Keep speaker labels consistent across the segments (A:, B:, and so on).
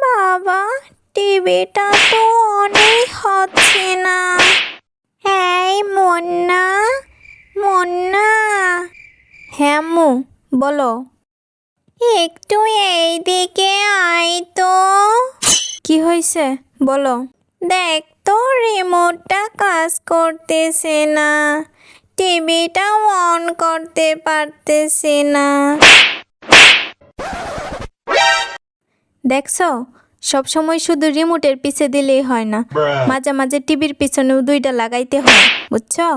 A: বাবা, টিভিটা তো অনেক হচ্ছে না। এই মুন্না, মুন্না। হ্যাঁ আম্মু, বলো। একটু এইদিকে আয় তো। কি হয়েছে বলো। দেখ তো, রিমোটটা কাজ করতেছে না, টিভিটা অন করতে পারতেছে না। দেখছো, সব সময় শুধু রিমোটের পিছে দিলেই হয় না, মাঝে মাঝে টিভির পিছনেও দুইটা লাগাইতে হয়, বুঝছো?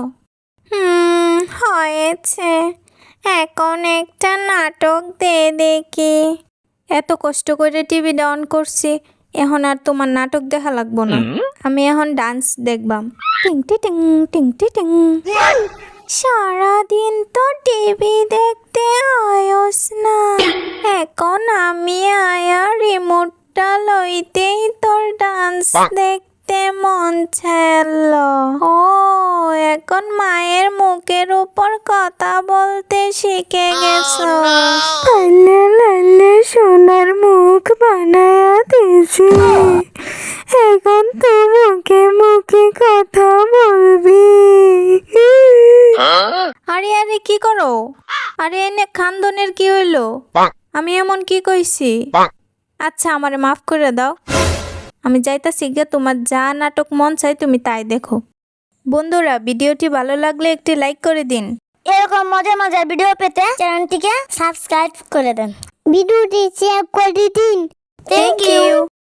A: হয়েছে। এখন একটা নাটক দে দেখি। এত কষ্ট করে টিভিটা অন করছি, এখন আর তোমার নাটক দেখা লাগবো না। আমি এখন ডান্স দেখবাম। টিং টি টিং টিং টি টিং। সারাদিন তো টিভি দেখতে আয়স না, এখন আমি আয়া রিমোটটা লইতেই তোর ডান্স দেখতে মন চাইল। ও, এখন মায়ের মুখের উপর কথা বলতে শিখে গেছো। লাল্লে লাল্লে সোনার মুখ বানায়া দিয়েছি, এখন তো মুখে মুখে কথা বলবি। আরে আরে, কি করো? আরে এনে খানদনের কি হইলো? আমি এমন কি কইছি? আচ্ছা, আমারে মাফ করে দাও। আমি যাইতাছি গে, তোমার যা নাটক মন চাই তুমি তাই দেখো। বন্ধুরা, ভিডিওটি ভালো লাগলে একটি লাইক করে দিন।
B: এরকম মজার মজার ভিডিও পেতে চ্যানেলটিকে সাবস্ক্রাইব করে দেন, ভিডিওটি শেয়ার করে দিন।
A: Thank you.